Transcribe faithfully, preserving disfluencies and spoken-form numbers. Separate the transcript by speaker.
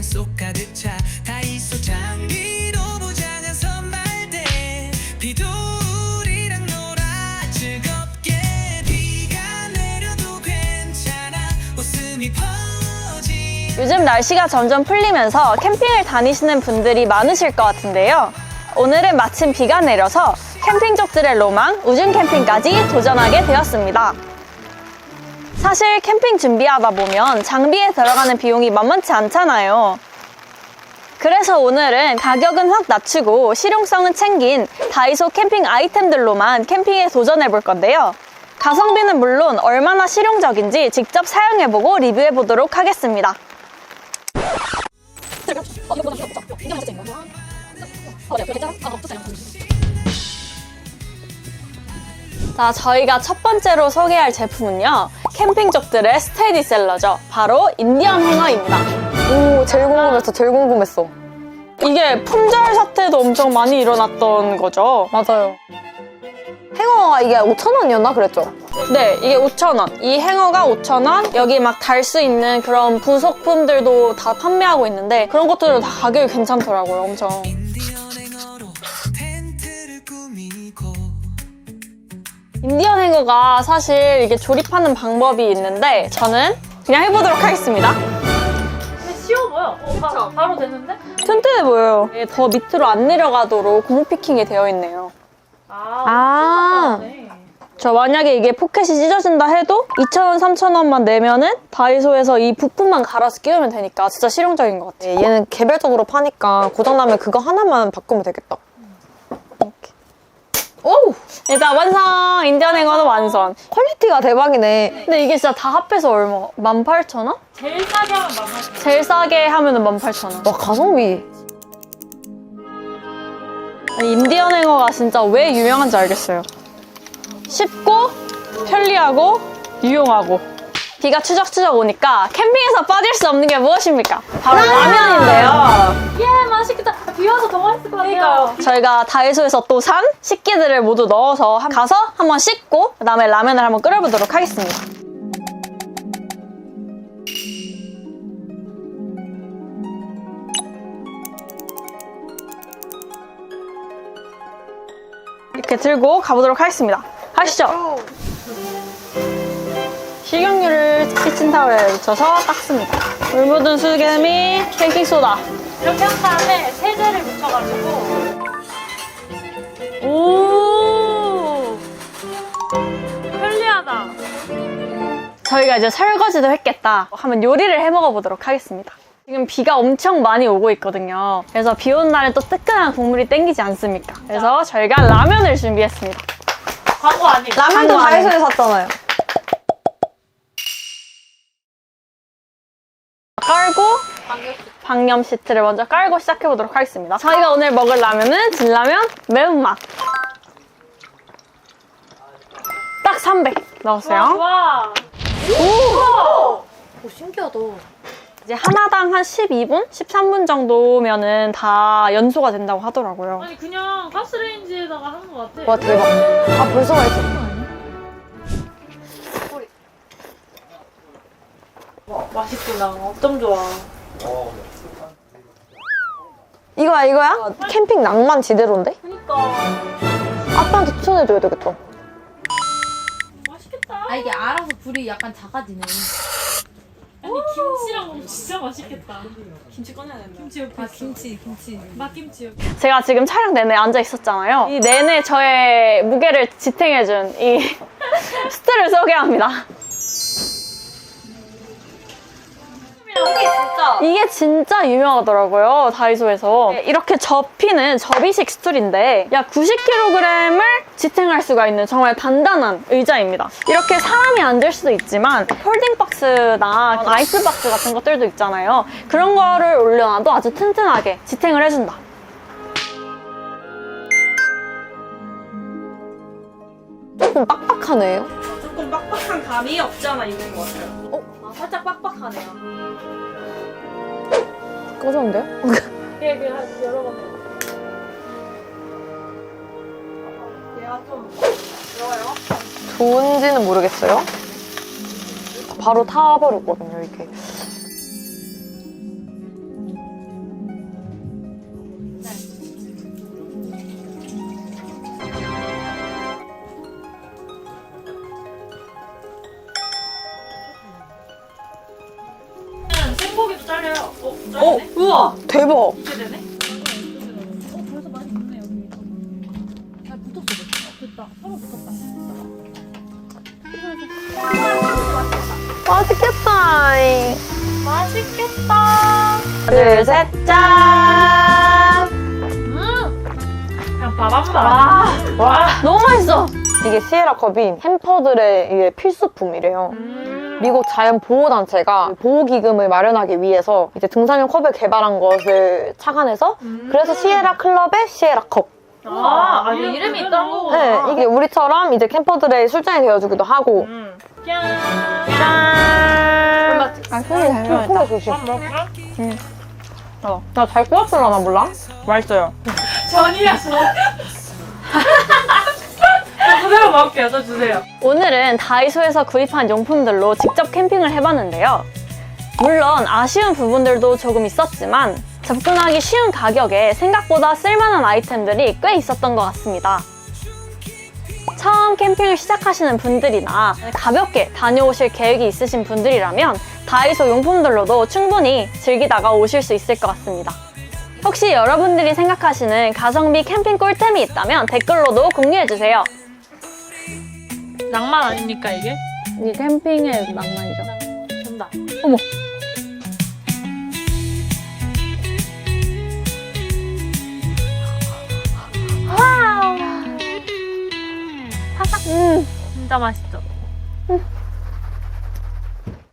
Speaker 1: 속 가득 차 다이소 장비로 무장한 선발대 비도 우리랑 놀아 즐겁게 비가 내려도 괜찮아 웃음이 퍼지.
Speaker 2: 요즘 날씨가 점점 풀리면서 캠핑을 다니시는 분들이 많으실 것 같은데요. 오늘은 마침 비가 내려서 캠핑족들의 로망, 우중 캠핑까지 도전하게 되었습니다. 사실 캠핑 준비하다 보면 장비에 들어가는 비용이 만만치 않잖아요. 그래서 오늘은 가격은 확 낮추고 실용성은 챙긴 다이소 캠핑 아이템들로만 캠핑에 도전해 볼 건데요. 가성비는 물론 얼마나 실용적인지 직접 사용해보고 리뷰해보도록 하겠습니다. 자, 저희가 첫 번째로 소개할 제품은요, 캠핑족들의 스테디셀러죠. 바로 인디언 행어입니다.
Speaker 3: 오, 제일 궁금했어, 제일 궁금했어.
Speaker 2: 이게 품절 사태도 엄청 많이 일어났던 거죠.
Speaker 3: 맞아요. 행어가 이게 오천 원이었나 그랬죠?
Speaker 2: 네, 이게 오천 원. 이 행어가 오천 원. 여기 막 달 수 있는 그런 부속품들도 다 판매하고 있는데 그런 것들도 다 가격이 괜찮더라고요, 엄청.
Speaker 1: 인디언 행어로 텐트를 꾸미고
Speaker 2: 인디언 행어가 사실 이게 조립하는 방법이 있는데 저는 그냥 해보도록 하겠습니다.
Speaker 4: 근데 쉬워 보여. 어, 바, 바로 되는데?
Speaker 2: 튼튼해 보여요. 이게 더 밑으로 안 내려가도록 고무 피킹이 되어 있네요.
Speaker 4: 아,
Speaker 3: 아.
Speaker 4: 네.
Speaker 2: 저 만약에 이게 포켓이 찢어진다 해도 이천 원, 삼천 원만 내면은 다이소에서 이 부품만 갈아서 끼우면 되니까 진짜 실용적인 것 같아요.
Speaker 3: 얘는 개별적으로 파니까 고장나면 그거 하나만 바꾸면 되겠다. 오!
Speaker 2: 일단 완성! 인디언 행어는 완성.
Speaker 3: 퀄리티가 대박이네.
Speaker 2: 근데 이게 진짜 다 합해서 얼마? 만 팔천 원?
Speaker 4: 제일 싸게 하면 만만치.
Speaker 2: 제일 싸게 하면은 만 팔천 원.
Speaker 3: 와, 가성비.
Speaker 2: 인디언 행어가 진짜 왜 유명한지 알겠어요. 쉽고 편리하고 유용하고. 비가 추적추적 오니까 캠핑에서 빠질 수 없는 게 무엇입니까? 바로 라면인데요.
Speaker 4: 예, 맛있겠다. 비 와서 더 맛있을 것 같아요.
Speaker 2: 저희가 다이소에서 또 산 식기들을 모두 넣어서 한- 가서 한번 씻고 그다음에 라면을 한번 끓여보도록 하겠습니다. 이렇게 들고 가보도록 하겠습니다. 가시죠. 식용유를 키친타올에 묻혀서 닦습니다. 물 묻은 수세미, 베이킹소다.
Speaker 4: 이렇게 한 다음에 세제를 묻혀가지고.
Speaker 2: 오!
Speaker 4: 편리하다.
Speaker 2: 저희가 이제 설거지도 했겠다 하면 요리를 해 먹어보도록 하겠습니다. 지금 비가 엄청 많이 오고 있거든요. 그래서 비 오는 날은 또 뜨끈한 국물이 땡기지 않습니까? 그래서 저희가 라면을 준비했습니다.
Speaker 4: 광고 아니에요.
Speaker 3: 라면도
Speaker 2: 광고 아니에요.
Speaker 3: 다이소에 샀잖아요.
Speaker 2: 깔고 방염 시트를 먼저 깔고 시작해보도록 하겠습니다. 저희가 오늘 먹을 라면은 진라면 매운맛. 딱 삼백 넣었어요.
Speaker 4: 와.
Speaker 3: 오, 신기하다.
Speaker 2: 이제 하나당 한 십이 분? 십삼 분 정도면은 다 연소가 된다고 하더라고요.
Speaker 4: 아니, 그냥 가스레인지에다가 하는 것 같아.
Speaker 3: 와, 대박. 아, 벌써 맛있어.
Speaker 4: 맛있구나. 어쩜 좋아.
Speaker 3: 이거야, 이거야? 캠핑 낭만 지대로인데?
Speaker 4: 그니까.
Speaker 3: 아빠한테 추천해줘야 되겠다.
Speaker 4: 맛있겠다.
Speaker 5: 아 이게 알아서 불이 약간 작아지네.
Speaker 4: 아니, 김치랑 먹으면 진짜 맛있겠다.
Speaker 2: 김치 꺼내야 된다.
Speaker 4: 김치 옆에
Speaker 5: 아
Speaker 4: 있어.
Speaker 5: 김치 김치.
Speaker 4: 맛김치 옆에.
Speaker 2: 제가 지금 촬영 내내 앉아 있었잖아요. 이 내내 저의 무게를 지탱해준 이 스트를 소개합니다. 이게 진짜 유명하더라고요, 다이소에서. 이렇게 접히는 접이식 스툴인데 약 구십 킬로그램을 지탱할 수가 있는 정말 단단한 의자입니다. 이렇게 사람이 앉을 수도 있지만 폴딩 박스나 아이스 박스 같은 것들도 있잖아요. 그런 거를 올려놔도 아주 튼튼하게 지탱을 해준다.
Speaker 3: 조금 빡빡하네요.
Speaker 2: 조금 빡빡한 감이 없지 않아 있는 것 같아요. 어? 아, 살짝 빡빡하네요.
Speaker 3: 꺼졌는데요?
Speaker 4: 이게 그 여러 번 해요.
Speaker 2: 얘가 좀 들어요.
Speaker 3: 좋은지는 모르겠어요. 바로 타버렸거든요, 이렇게.
Speaker 4: 우와.
Speaker 3: 대박.
Speaker 4: 기대되네.
Speaker 5: 어 벌써 많이 붙네 여기. 잘 붙었어. 어, 됐다. 서로 붙었다.
Speaker 3: 맛있겠다.
Speaker 4: 맛있겠다.
Speaker 3: 둘, 셋, 짠.
Speaker 4: 그냥 밥 한 번. 와.
Speaker 2: 너무 맛있어.
Speaker 3: 이게 시에라 컵이 캠퍼들의 이게 필수품이래요. 미국 자연보호단체가 보호기금을 마련하기 위해서 이제 등산용 컵을 개발한 것을 착안해서 그래서 시에라 클럽의 시에라 컵.
Speaker 4: 아, 아니 이름이 있던 거구나.
Speaker 3: 네, 이게 우리처럼 이제 캠퍼들의 술잔이 되어주기도 하고.
Speaker 4: 음. 짠.
Speaker 3: 아, 손이 잘 나왔다. 조심.
Speaker 4: 밥 먹을까?
Speaker 3: 나 잘 구웠을라나 몰라?
Speaker 2: 맛있어요.
Speaker 4: 전이야 전. 저 그대로 먹을게요. 저 주세요.
Speaker 2: 오늘은 다이소에서 구입한 용품들로 직접 캠핑을 해봤는데요. 물론 아쉬운 부분들도 조금 있었지만 접근하기 쉬운 가격에 생각보다 쓸만한 아이템들이 꽤 있었던 것 같습니다. 처음 캠핑을 시작하시는 분들이나 가볍게 다녀오실 계획이 있으신 분들이라면 다이소 용품들로도 충분히 즐기다가 오실 수 있을 것 같습니다. 혹시 여러분들이 생각하시는 가성비 캠핑 꿀템이 있다면 댓글로도 공유해주세요.
Speaker 4: 낭만 아닙니까 이게?
Speaker 2: 이게 캠핑의 낭만이죠.
Speaker 4: 된다.
Speaker 2: 어머.
Speaker 4: 진짜 맛있죠?